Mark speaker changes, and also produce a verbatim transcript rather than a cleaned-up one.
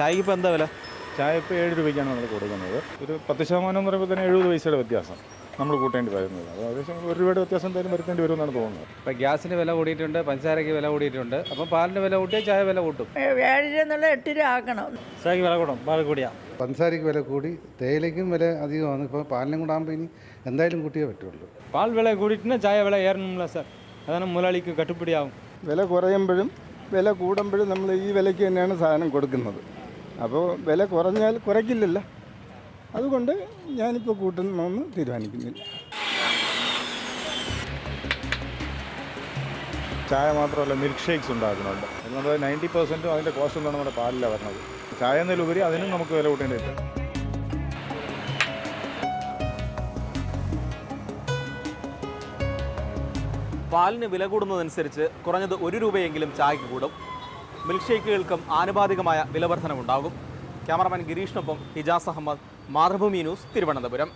Speaker 1: ചായക്ക് ഇപ്പോൾ എന്താ വില?
Speaker 2: ചായ ഇപ്പോൾ ഏഴ് രൂപയ്ക്കാണ് നമ്മൾ കൊടുക്കുന്നത്. ഒരു പത്ത് ശതമാനം എന്ന് പറയുമ്പോൾ തന്നെ എഴുപത് പൈസയുടെ വ്യത്യാസം നമ്മൾ കൂട്ടേണ്ടി വരുന്നത്. അത് ഏകദേശം ഒരു രൂപയുടെ വ്യത്യാസം എന്തായാലും വരുത്തേണ്ടി വരുമെന്നാണ് തോന്നുന്നത്.
Speaker 3: ഇപ്പോൾ ഗ്യാസിന് വില കൂടിയിട്ടുണ്ട്, പഞ്ചസാരയ്ക്ക് വില കൂടിയിട്ടുണ്ട്. അപ്പം പാലിന് വില കൂട്ടിയാൽ ചായ വില കൂട്ടും.
Speaker 4: ഏഴ് രൂപ എന്നുള്ള എട്ട് രൂപ ആക്കണം.
Speaker 1: ചായക്ക് വില കൂടും, പാൽ കൂടിയാ.
Speaker 5: പഞ്ചസാരയ്ക്ക് വില കൂടി, തേയിലയ്ക്കും വില അധികമാണ്. ഇപ്പോൾ പാലിനും കൂടെ ആകുമ്പോൾ ഇനി എന്തായാലും കൂട്ടിയേ പറ്റുള്ളൂ.
Speaker 6: പാൽ വില കൂടിയിട്ടുണ്ടെങ്കിൽ ചായ വില ഏറണമില്ല സാർ. അതാണ് മുതലാളിക്ക് കട്ടുപിടിയാവും.
Speaker 7: വില കുറയുമ്പോഴും വില കൂടുമ്പോഴും നമ്മൾ ഈ വിലയ്ക്ക് തന്നെയാണ് സാധനം കൊടുക്കുന്നത്. അപ്പോൾ വില കുറഞ്ഞാൽ കുറയ്ക്കില്ലല്ലോ, അതുകൊണ്ട് ഞാനിപ്പോൾ കൂട്ടണമെന്ന് തീരുമാനിക്കുന്നില്ല.
Speaker 2: ചായ മാത്രമല്ല, മിൽക്ക് ഷേക്സ് ഉണ്ടാക്കുന്നുണ്ട്. നമ്മുടെ നയൻറ്റി പെർസെൻറ്റും അതിൻ്റെ കോസ്റ്റ് എന്താണ് നമ്മുടെ പാലിലാണ് വരുന്നത്. ചായ എന്നതിലുപരി അതിനും നമുക്ക് വില കൂട്ടേണ്ടി വരും.
Speaker 1: പാലിന് വില കൂടുന്നതനുസരിച്ച് കുറഞ്ഞത് ഒരു രൂപയെങ്കിലും ചായക്ക് കൂടും. മിൽക്ക് ഷേക്കുകൾക്കും ആനുപാതികമായ വിലവർധനവുണ്ടാകും. ക്യാമറമാൻ ഗിരീഷിനൊപ്പം ഹിജാസ് അഹമ്മദ്, മാതൃഭൂമി ന്യൂസ്, തിരുവനന്തപുരം.